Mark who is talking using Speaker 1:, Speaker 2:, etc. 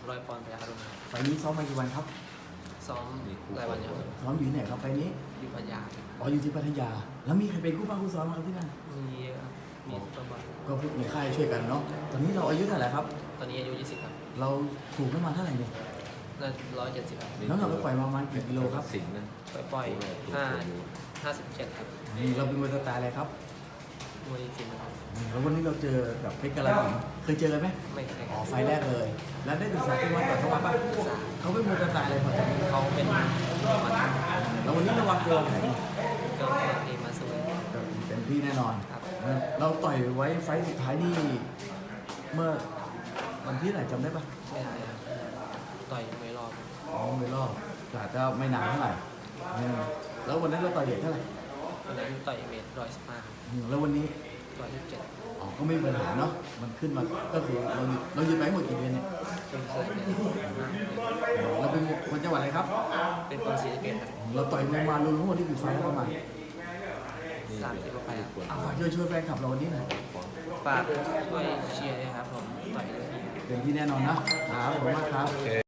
Speaker 1: 100 ปอนด์พยัคฆ์อรุณครับ
Speaker 2: ไฟล์นี้ซ้อมมากี่วันครับ
Speaker 1: ซ้อมรายวันอยู่ครับ
Speaker 2: ซ้อมอยู่ที่ไหนครับไฟล์นี้
Speaker 1: อยู่พัทยา
Speaker 2: อ๋ออยู่ที่พัทยา แล้วมีใครเป็นคู่บ้างคู่ซ้อมครับที่นั่น
Speaker 1: มีเยอะครับมีซุปเปอร์บอล
Speaker 2: ก็พวกในค่ายช่วยกันเนาะ ตอนนี้เราอายุเท่าไหร่ครับ
Speaker 1: ตอนนี้อายุ 20 ครับ
Speaker 2: เราถูกน้ำมันเท่าไหร่เนี่ย
Speaker 1: น่า170 ครับ
Speaker 2: น้ำหนักเราปล่อยมาประมาณกี่กิโลครับ
Speaker 3: สิงห์นะ
Speaker 1: ปล่อย57 ครับ
Speaker 2: เราเป็นมวยสไตล์อะไรครับ
Speaker 1: มวยจริงครับ
Speaker 2: แล้ววันนี้เราเจอกับเพชรกาฬสินธุ์เคยเจอกันไหม
Speaker 1: ไม่เคยค
Speaker 2: อ๋อ
Speaker 1: รับ
Speaker 2: ไฟล์แรกเลย แล้วได้ศึกษาที่มาก่อนเข้ามาป่ะเขาเป็นมวยสไตล์อะไรก่อน
Speaker 1: เขาเป็นมัน
Speaker 2: แล้ววันนี้ระวังเจอไหน
Speaker 1: ก็เทมาสวย
Speaker 2: เต็มที่แน่นอน
Speaker 1: ครับ
Speaker 2: เราต่อยไว้ไฟล์สุดท้ายนี่เมื่อวันที่ไหนจำได้ปะ
Speaker 1: ไม่ได้ครับต่อยไม่รอบ
Speaker 2: อ๋อไม่รอบแต่อาจจะไม่นานเท่าไหร่แล้ววันนั้นเราต่อยเด็กเท่าไหร่
Speaker 1: วันนั้นต่อยเมตร115ครับ
Speaker 2: แล้ววันนี้
Speaker 1: 127
Speaker 2: อ๋อก็ไม่มีปัญหาเนาะมันขึ้นมาก็คือเราหยุดไปหมดกี่เดือนเนี่ย
Speaker 1: เป็นเคยเป็น5
Speaker 2: เราเป็นคนจังหวัดอะไรครับ
Speaker 1: เป็นคนศรีสะเกษครับ
Speaker 2: เราต่อยมวยมารวมทั้งหมดที่กี่ไฟล์แล้วประมาณ
Speaker 1: 30 กว่าไปครับ
Speaker 2: ฝากช่วยแฟนคลับเราวันนี้หน่อย
Speaker 1: ฝากช่วยเชียร์ด้วยครับผมต่อยด้วย
Speaker 2: เต็มที่แน่นอนนะครับขอบคุณมากครับ